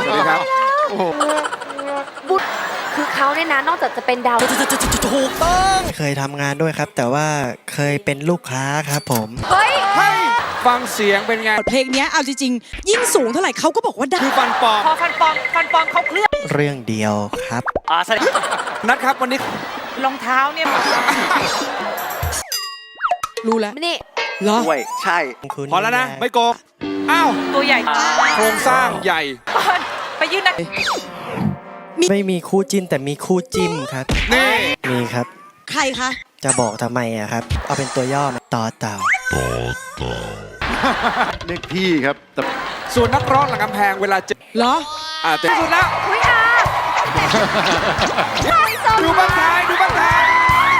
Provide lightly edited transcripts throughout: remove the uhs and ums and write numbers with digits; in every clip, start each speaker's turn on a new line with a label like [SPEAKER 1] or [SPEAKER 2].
[SPEAKER 1] วัสดีครับ
[SPEAKER 2] บุตรคือเขาเนี่ยนะนอกจากจะเป็นดาว
[SPEAKER 3] ถูกต้องเคยทำงานด้วยครับ แต่ว่าเคยเป็นลูกค้าครับผม
[SPEAKER 2] เฮ้ย
[SPEAKER 1] ฟังเสียงเป็นไง
[SPEAKER 4] เพลงนี้เอาจริงๆยิ่งสูงเท่าไหร่เขาก็บอกว่าได้
[SPEAKER 1] คือฟันปลอม
[SPEAKER 2] พอฟันปลอมเขาเคลือบ
[SPEAKER 3] เรื่องเดียวครับ
[SPEAKER 1] นัดครับวันนี้
[SPEAKER 2] รองเท้าเนี่ย
[SPEAKER 4] รู้แล้ว
[SPEAKER 2] นี่
[SPEAKER 4] เหรอ
[SPEAKER 5] ด้วยใช่
[SPEAKER 3] คุณ
[SPEAKER 1] พอแล้วนะ ไม่โกงอ้าว
[SPEAKER 2] ตัวใหญ่
[SPEAKER 1] โครงสร้างใหญ่
[SPEAKER 2] ไปยื่นนะ
[SPEAKER 3] ไม่มีคู่จิ้นแต่มีคู่จิ้มครับ
[SPEAKER 1] นี่
[SPEAKER 3] มีครับ
[SPEAKER 4] ใครคะ
[SPEAKER 3] จะบอกทำไมอะครับ เอาเป็นตัวย่อมาต่อเต่า
[SPEAKER 5] เรียกพี่ครับแต่
[SPEAKER 1] ส่วนนักร้องหลังกำแพงเวลาเจอ
[SPEAKER 4] เหรอ
[SPEAKER 1] เต็มสุดแล้ว
[SPEAKER 2] อุ้ยอา
[SPEAKER 1] ดูบ้านท้ายดูบ้านท้าย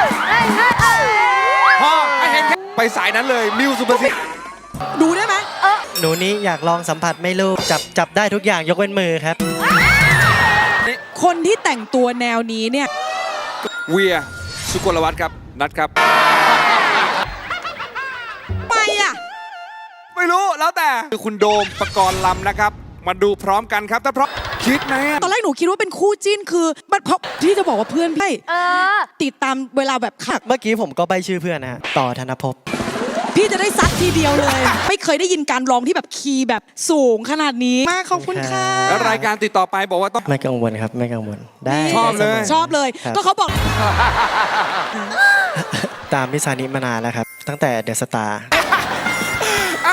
[SPEAKER 1] พ่อให้เห็นแค่ไปสายนั้นเลยมิวสุภสิทธิ์
[SPEAKER 4] ดูได้ไหม
[SPEAKER 3] หนูนี้อยากลองสัมผัสไม่รู้จับได้ทุกอย่างยกเว้นมือครับ
[SPEAKER 4] คนที่แต่งตัวแนวนี้เนี่ย
[SPEAKER 1] เวียสุกลวัฒน์ครับนัดครับ
[SPEAKER 4] ไปอ่ะ
[SPEAKER 1] ไม่รู้แล้วแต่คือคุณโดมปกรณ์ลำนะครับ มาดูพร้อมกันครับถ้าพร้อมคิดไหมอะ
[SPEAKER 4] ตอนแรกหนูคิดว่าเป็นคู่จิ้นคือมันเพราะที่จะบอกว่าเพื่อนพี่ ติดตามเวลาแบบขัก
[SPEAKER 3] เมื่อกี้ผมก็ใบชื่อเพื่อนนะฮะต่อธนภพ
[SPEAKER 4] พี่จะได้ซัดทีเดียวเลย ไม่เคยได้ยินการร้องที่แบบคีย์แบบสูงขนาดนี้มากขอบคุณค่ะ
[SPEAKER 1] แล้วรายการติดต่อไปบอกว่าต้อง
[SPEAKER 3] ไม่กังวลครับไม่กังวลได้
[SPEAKER 1] ชอบเลย
[SPEAKER 3] ได้สม
[SPEAKER 4] ชอบเลย
[SPEAKER 3] ครับ
[SPEAKER 4] ก็เขาบอก
[SPEAKER 3] ตามพี่ซานิมานานแล้วครับ ตั้งแต่เดอะสตาร์
[SPEAKER 1] อ้าว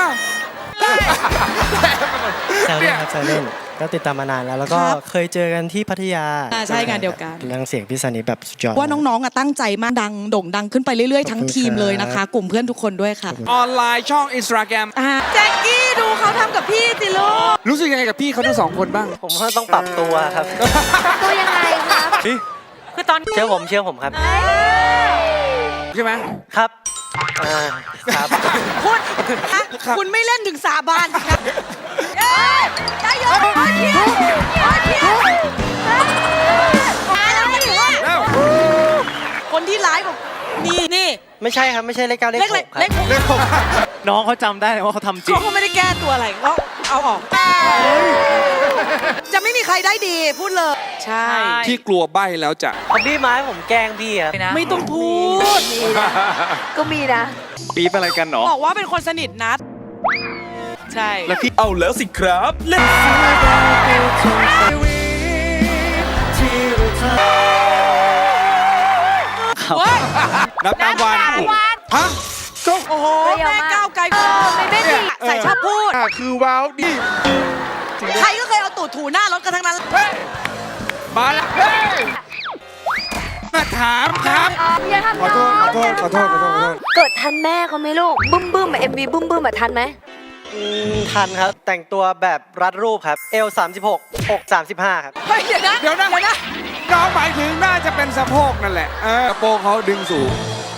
[SPEAKER 3] แซวเล่นครับแซวเล่นก็ติดตามมานานแล้ว แล้วก็
[SPEAKER 4] ครับ
[SPEAKER 3] เคยเจอกันที่พัทยา
[SPEAKER 4] ใช่งานเดียวกัน
[SPEAKER 3] เรื่องเสียงพี่ซานิแบบสุดยอด
[SPEAKER 4] ว่าน้องๆอ่ะตั้งใจมากดังโด่งดังขึ้นไปเรื่อยๆ ทั้งทีมเลยนะคะ กลุ่มเพื่อนทุกคนด้วยค่ะ
[SPEAKER 1] ออนไลน์ช่องอินสตาแกรม
[SPEAKER 4] แจ็คกี้ดูเขาทำกับพี่สิลูก
[SPEAKER 1] รู้สึกยังไงกับพี่เขาทั้งสองคนบ้าง
[SPEAKER 3] ผมว่าต้องปรับตัวครับ
[SPEAKER 2] ตัวยังไงครับ คือตอน
[SPEAKER 3] เชื่อผมครับ
[SPEAKER 1] ใช่ไหม
[SPEAKER 3] ครับครับ
[SPEAKER 4] คุณฮะคุณไม่เล่นถึงสาบานสิครับได้เยอะโอเคโอเคคนที่ร้ายกว่านี่
[SPEAKER 3] ไม่ใช่ครับไม่ใช่เลขเก้าเลข
[SPEAKER 4] เล็ก
[SPEAKER 3] ห
[SPEAKER 4] เล็
[SPEAKER 3] ก
[SPEAKER 4] ก
[SPEAKER 3] ครับ
[SPEAKER 4] เล็ก
[SPEAKER 1] เรื่องของ
[SPEAKER 3] น้องเขาจำได้ว่าเขาทำจริง
[SPEAKER 4] เขาไม่ได้แก้ตัวอะไรก็เอาออก จะไม่มีใครได้ดีพูดเลย ใช่
[SPEAKER 1] ที่กลัวใบ้แล้วจะ
[SPEAKER 3] เขาบี้ไม้ผมแกล้งพี่ครับ
[SPEAKER 4] ไม่ต้องพูด
[SPEAKER 2] ก็มีนะ
[SPEAKER 5] ปี๊บอะไรกันเนาะ
[SPEAKER 4] บอกว่าเป็นคนสนิทนัด ใช่
[SPEAKER 5] แล้วพี่เอาแล้วสิครับเล่น
[SPEAKER 4] เว้ย
[SPEAKER 1] นับตามวัน ฮะก็
[SPEAKER 4] โอ้โห
[SPEAKER 2] เปรี้ยวมาก
[SPEAKER 4] แม่ก้าวไกล
[SPEAKER 2] ไม่ดี
[SPEAKER 4] ใส่ชอบพูด
[SPEAKER 1] คือว้าวดิ
[SPEAKER 4] ใครก็เคยเอาตูดถูหน้ารถกันทั้งนั้น
[SPEAKER 1] มาแล้วมาถามครับ
[SPEAKER 2] อย่าทำ
[SPEAKER 1] ขอโทษ
[SPEAKER 2] น้อง
[SPEAKER 1] ขอโทษ
[SPEAKER 2] เกิดทันแม่เขาไหมลูก บึ้มMV บึ้มทันไหม
[SPEAKER 3] ทันครับ แต่งตัวแบบรัดรูปครับเอล36อก35ครับ
[SPEAKER 4] เฮ้ยเดี๋ยวนะ
[SPEAKER 1] เดี๋ยวนะน้องหมายถึงน่าจะเป็นสะโพกนั่นแหละกระโปรงเขาดึงสูง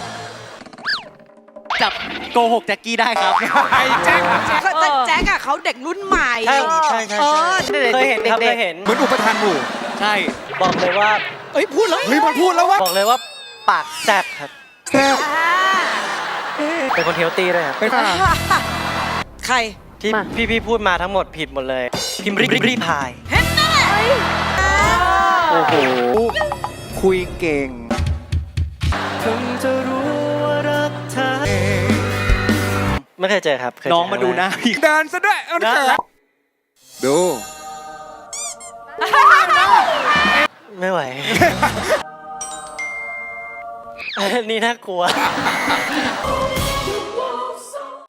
[SPEAKER 3] จับโกหกแจ็คกี้ได้ครับ
[SPEAKER 1] ไอ้แจ็ค
[SPEAKER 4] แต่แจ็คอะเขาเด็กรุ่นใหม่
[SPEAKER 3] ใช่
[SPEAKER 4] เออ
[SPEAKER 3] เคยเห็นครับเคยเห็น
[SPEAKER 1] เหมือนอุปทานหมู่
[SPEAKER 3] ใช่ บอกเลยว่า
[SPEAKER 4] เอ้ยพูดแล้ว
[SPEAKER 1] เฮ้ยมันพูดแล้วว่า
[SPEAKER 3] บอกเลยว่าปากแซ่บครับ
[SPEAKER 1] แซ่บ
[SPEAKER 3] เป็นคนเฮลตี้ด้วยครับ
[SPEAKER 1] เป็น
[SPEAKER 4] ใคร
[SPEAKER 3] ที่พี่พูดมาทั้งหมดผิดหมดเลย พิมพ์รีพาย
[SPEAKER 4] เห็นแน่
[SPEAKER 5] โอ้โหคุยเก่ง
[SPEAKER 3] ถึงจะรู้ว่ารักเธอไม่เคยเจอครับ
[SPEAKER 5] น้องมาดูหน้าพี่
[SPEAKER 1] เดินซะด้วยเอาเถอะดู
[SPEAKER 3] ไม่ไหว นี่น่ากลัว